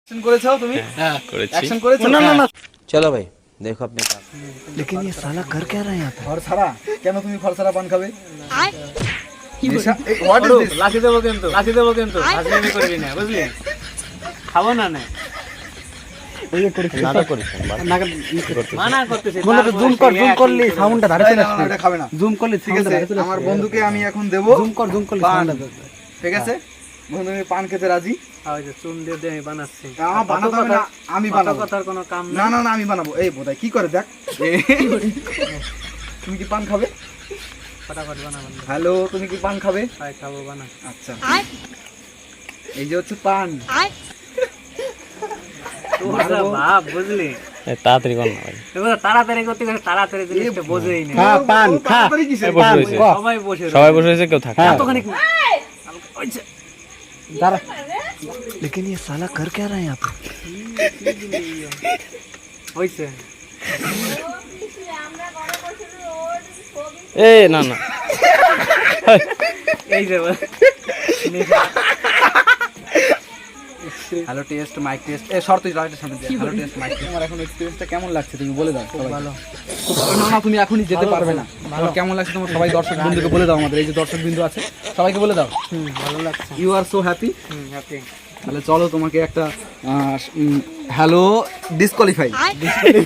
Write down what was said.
Action করেছো তুমি? হ্যাঁ করেছি। एक्शन করেছো? না না না चलो भाई देखो अपने काम। लेकिन ये साला कर क्या रहा है यहाँ पे? ফরসারা কেন তুমি ফরসারা পান খাবে? What is this? লাঠি দেবো কিন্তু হাজলামি করবি না বুঝলি, খাবো না না नाटक करिস না, বাস। মানা করতেছি। বলো তো জুম করলি সাউন্ডটা ধারে চলে না, আসবে। এটা খাবে না। জুম করলি ঠিক আছে, আমার বন্ধুকে আমি এখন দেব জুম করলি পান। সাউন্ডটা। ঠিক আছে, বন্ধু আমি পান খেতে রাজি। ওই যে চুন দিয়ে দিয়ে আমি বানাচ্ছি। আমার বানাতে হবে না, আমি বানাবো। কথার কোনো কাম না না। না না আমি বানাবো। এই বোধাই কি করে দেখ। তুমি কি পান খাবে? ফটাফট বানাবো। হ্যালো, তুমি কি পান খাবে? খাই খাবো বানা। আচ্ছা, এই যে হচ্ছে পান। তোরা বাপ বুঝলি, তাড়াতাড়ি কর না ভাই। তোরা তাড়াতাড়ি করতে গেলে তাড়াতাড়ি জিনিসটা বোঝেই না। খা পান খা। তাড়াতাড়ি কিসের? বসে রয়েছে। সবাই বসে সবাই বসে রয়েছে, কেউ থাকে না। এতখানি दारा लेकिन ये साला कर क्या रहा है यहाँ पे? হইছে। এ না না এই যে হ্যালো টেস্ট মাইক টেস্ট এ শর্ত রাইটের সামনে দে। Hello test mike test. তোমার এখন এক্সপেরিয়েন্সটা কেমন লাগছে তুমি বলে দাও সবাই। ভালো। না না তুমি এখনই যেতে পারবে না। তোমার কেমন লাগছে তোমার সবাই দর্শক বন্ধুকে বলে দাও, আমাদের এই যে দর্শক বিন্দু আছে সবাইকে বলে দাও। ভালো লাগছে। You are so happy. Happy. তাহলে চলো তোমাকে একটা হ্যালো ডিসকোয়ালিফাই